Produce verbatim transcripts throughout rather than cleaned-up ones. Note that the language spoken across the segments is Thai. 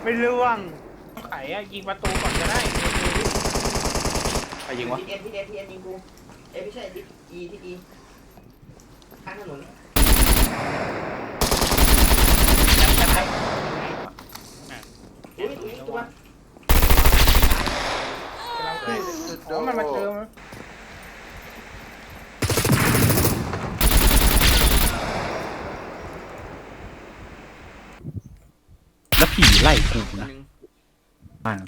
ไม่ร่วงไขอะยิงประตูก่อนก็ได้ใครยิงวะทีเอ็นทีเอ็นทีเอ็นยิงกูเอ้ไม่ใช่ทีอีทีอีข้างถนนอุ้ยอุ้ยตัวโอ้มันมาเจอมั้ยแล้วผีไล่กูนะอ่า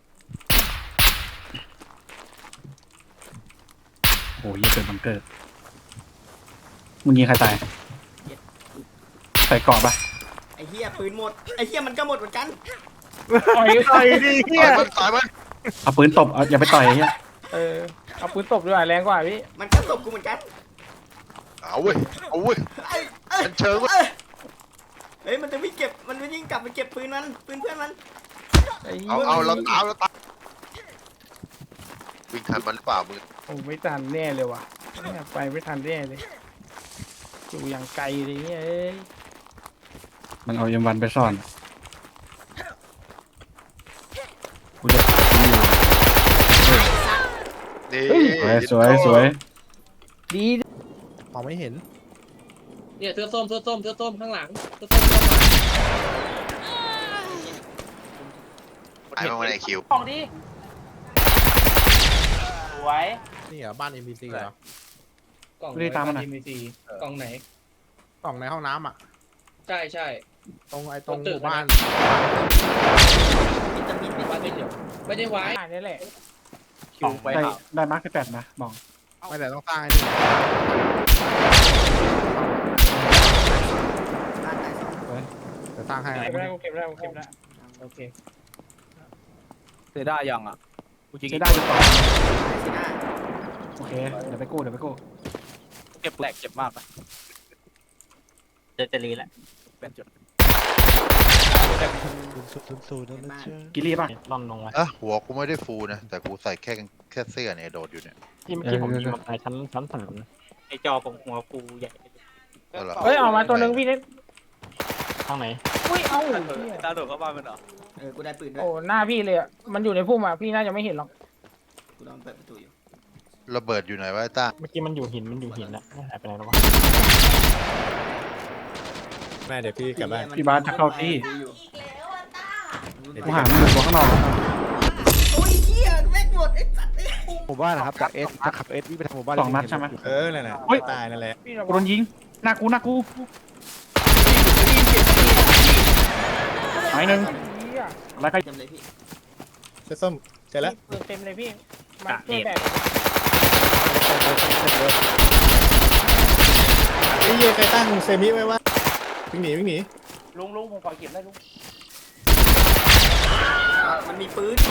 โอ้ยยังเกิดบังเกิดมึงยิงใครตายใส่เกาะปะไอ้เหี้ยปืนหมดไอ้เหี้ยมันก็หมดเหมือนกันต่อยต่อยดิเฮียตายมันเอาปืนตบเอาอย่าไปต่อยไอ้เหี้ยเออเอาปืนตบด้วยแรงกว่าพี่มันก็ตบกูเหมือนกันเอาเว้ยเอาเว้ยไอ้เอ้ยมันเชิงเว้ยเฮ้ยมันจะไม่เก็บมันไม่ยิ่งกลับไปเก็บปืนมันปืนเพื่อนมันเอาเอาเราตามเราตามวิ่งทันมันหรือเปล่ามึงโอ้ไม่ทันแน่เลยว่ะเนี่ยไปไม่ทันแน่เลยอยู่อย่างไกลเลยเนี่ยเอ้ยมันเอาเอ็มวันไปซ่อนกูจะนี่สวยสวยสวยดีมองไม่เห็นเนี่ยเสื้อส้มเสื้อส้มเสื้อส้มข้างหลังเสื้อส้มข้างหลังไอ้มาวันไอคิวของดีสวยนี่เหรอบ้าน เอ็ม พี ซี เหรอกล่องไม่ได้ตามมันไหนนะมีซีกล่องไหนกล่องในห้องน้ำอ่ะใช่ใช่ตรงไอ้ตรงตรงหตึกมู่บ้านวิตามินวิตาว่ามิไม่นเดี๋ยวไม่ได้ไว้อ่านี่แหละคิวไปได้หาได้มาร์คที่แปดนะมองไม่แต่ต้องสร้างไอ้นี่บ้านไหนสองเดี๋ยวสร้างให้เก็บได้กูเก็บได้กูเก็บได้โอเคเซด้ายังอ่ะกูจริงใช้ได้อยู่ต่อสิหน้าโอเคเดี๋ยวไปกู้เดี๋ยวไปกู้เก็บแหลกเจ็บมากนะจะจะรีแหละเป็นจุดกิลลี่ป่ะล่อนลงมาอ่ะหัวกูไม่ได้ฟูนะแต่กูใส่แค่แค่เสื้อเนี่ยโดดอยู่เนี่ยที่เมื่อกี้ผมยิงมาตายชั้นชั้นสามนะไอจอของหัวกูใหญ่เอาล่ะเฮ้ยเอามาตัวหนึ่งพี่เล็กข้างไหนอุ้ยเอาตาโดดเข้าบ้านมันเหรอเออกูได้ปืนด้วยโอ้หน้าพี่เลยอ่ะมันอยู่ในพุ่มอ่ะพี่น่าจะไม่เห็นหรอกกูลองเปิดประตูอยู่ระเบิดอยู่ไหนวะไอ้ต้าเมื่อกี้มันอยู่หินมันอยู่หินนะหายไปไหนแล้ววะแม่เดี๋ยวพี่กลับบ้านพี่บาสจะเข้าที่ดูอยู่กูหามันตัวข้างนอกแล้วโอ้ยเหี้ยแม่งหมดไอ้สัตว์เอ้ยหมู่บ้านนะครับจากเอสจะขับเอสวิ่งไปทางหมู่บ้านสองนัดใช่ไหมเออนั่นแหละเฮ้ยตายนั่นแหละพี่ระกูวัโดงนยิงหน้ากูหน้ากูหายหนึ่งเหี้ยอะไรใครเต็มเลยพี่เสื้อส้มเสร็จแล้วปืนเต็มเลยพี่มาช่วยแบกไอ้เหี้ยใครตั้งเซมิไว้วะวิ่งหนีวิ่งหนีลุงลุงผมขอเก็บได้ลุงมันมีปืน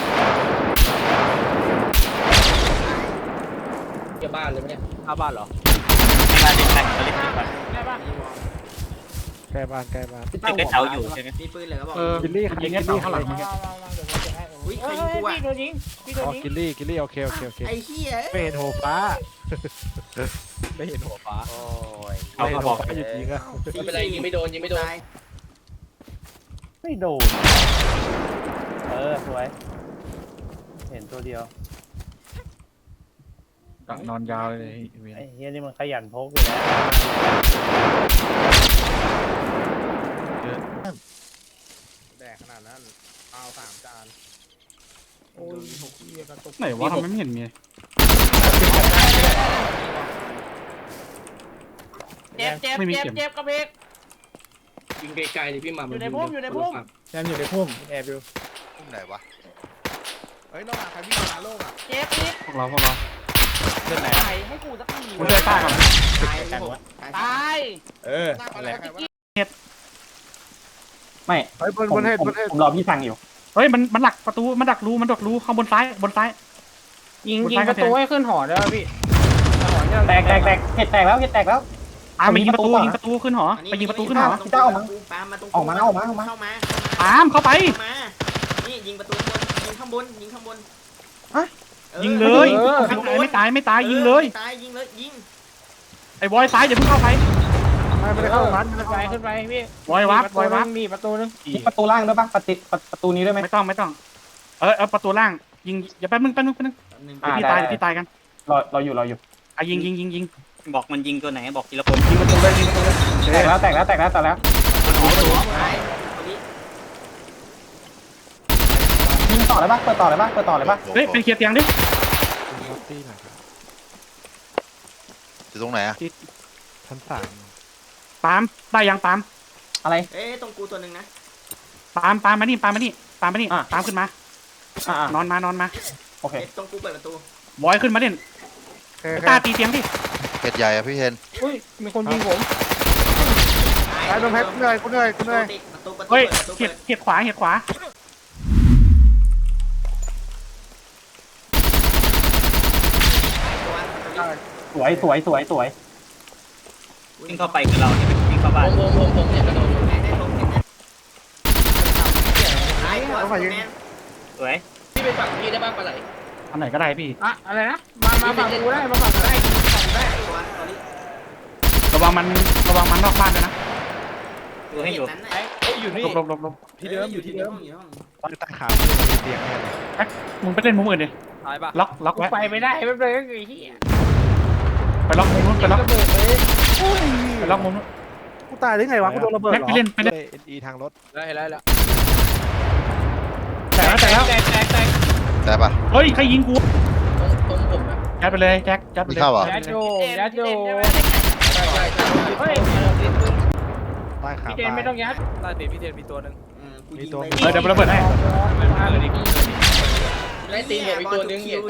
เกี่ยวบ้านเลยไหมเนี่ยหน้าบ้านเหรอบ้านเด็กแต่งก็เล็กขึ้นไปได้ปะใกล้บ้านใกล้บ้านเด็กได้เท้าอยู่ใช่ไหมมีปืนเลยก็บอกเออกิลลี่ยิงแค่ข้างหลังมามามาเดี๋ยวผมจะให้อุ้ยใครเฮ้ยิงกูยอ่ะพี่โดนยิงพี่โดนอ๋อยิงกิลลี่กิลลี่โอเคโอเคโอเคไอ้เหี้ยไม่เห็นหัวฟ้าไม่เห็นหัวฟ้าโอ้ยเอาไม่เห็นเขาหับวอกฟ้าหยุดยิงอะไม่เป็นไรยิงไม่โดนยิงไม่โดนตายไม่โดนเออสวยเห็นตัวเดียวนอนยาวเลยไอ้เฮียนี่มันขยันพกอยู่แล้วแดกขนาดนั้นเอาสามจานโอ้ยหกเฮียกระตุกไหนวะทำไมไม่เห็นมีเจ็บเจ็บเจ็บเจ็บกระเพกยิงไกลๆเลยพี่หมาอยู่ในพุ่มอยู่ในพุ่มแซมอยู่ในพุ่มแอบอยู่พุ่มไหนวะเฮ้ยน้องหาใครวิ่งมาโล่งอ่ะเจ็บอีกพวกเราพวกเราเล่นไหนใส่ให้กูสักทีกูช่วยต้าก่อนตายพี่หกตายตายเออนั่นแหละไม่เฮ้ยบนบนเทศบนเทศผมรอพี่สั่งอยู่เฮ้ยมันมันหลักประตูมันดักรูมันดักรูข้างบนซ้ายบนซ้ายยิงยิงประตูให้ขึ้นหอได้ป่ะพี่แตกแตกแตกเห็ดแตกแล้วเห็ดแตกแล้วอ่าไปยิงประตูยิงประตูขึ้นหอไปยิงประตูขึ้นหอเจ้าออกมาปามาตรงออกมาออกมาออกมาเข้ามาตามเข้าไปเข้ามานี่ยิงประตูข้างบนยิงข้างบนยิงข้างบนยิงเลยไม่ตายไม่ตายไม่ตายยิงเลยตายยิงเลยยิงไอ้บอยซ้ายอย่าเพิ่งเข้าไปมไม่ได้เข้าร้านขึ้นไปขึ้นไปพี่วอยวับวอยวับมีประตูนึงประตูล่างด้วยปะประตูประตูนี้ด้วยไหมไม่ต้องไม่ต้อง เออเออประตูล่างยิงอย่าแป๊บนึงแป๊บนึงแป๊บนึงหนึ่งเดี๋ยวพี่ตายเดี๋ยวพี่ตายกันรอรออยู่รออยู่อ่ะยิงยิงยิงยิงบอกมันยิงตัวไหนบอกทีละคนยิงประตูเลยยิงประตูเลยแตกแล้วแตกแล้วแตกแล้วแตกแล้วตายตัวนี้ยิงต่อเลยปะเปิดต่อเลยปะเปิดต่อเลยปะเฮ้ยเป็นเคลียร์เตียงดิอยู่ตรงไหนอะปาล์มได้ยังปาล์มอะไรเอ้ยตรงกูตัวหนึ่งนะปาล์มปาล์มมานี่ปาล์มมานี่ปาล์มมานี่อ่ะปาล์มขึ้นมาอ่านอนมานอนมาโอเคเอ้ยตรงกูเปิดประตูบอยขึ้นมาเด่นตาตีเตียงดิเห็ดใหญ่อะพี่เห็นอุ้ยมีคนยิงผมไอ้ตรงเพชรเหนื่อยกูเหนื่อยกูเหนื่อยประตูประตูเฮ้ยเปิดประตูเห็ดเปิดเห็ดขวาเห็ดขวาสวยสวยสวยสวยวิ่งเข้าไปกับเราเนี่ยวิ่งเข้าบ้านผมผมผมเห็นประตูแม่ได้ผมเห็นนะตายตัวแมนสวยพี่ไปฝั่งพี่ได้บ้างปะไหลอันไหนก็ได้พี่อะอะไรนะมามาฝั่งกูได้มาฝั่งกูได้ฝั่งกูได้ตัวตอนนี้ระวังมันระวังมันนอกบ้านด้วยนะดูให้อยู่นั้นนะไอ้อยู่นี่หลบหลบหลบหลบที่เดิมอยู่ที่เดิมอยู่ห้องใต้ขาเตียงเนี่ยแอ๊กมึงไปเล่นมุมอื่นดิตายปะล็อกล็อกกูไว้ไปไม่ได้ไม่เป็นไรไอ้เหี้ยไปล็อกมุมนู้นไปล็อกระเบิดเลยไปล็อกมุมนู้นกูตายได้ไงวะกูโดนระเบิดแม็กเหรอไปเล่นไปเล่นเอ็นอีทางรถได้แล้วแล้วแต่แล้วแต่แล้วแตกแตกแตกแต่ปะเฮ้ยใครยิงกูตรงผมนะยัดไปเลยแจ็คยัดไปมีเลยเข้าเหรอยัดโยยัดโยเฮ้ยใต้ขาพี่เจนไม่ต้องยัดใต้ตีนพี่เจนมีตัวหนึ่งกูยิงไปเออเดี๋ยวระเบิดให้มันพาเลยดิไล่ตีนผมอีกตัวนึง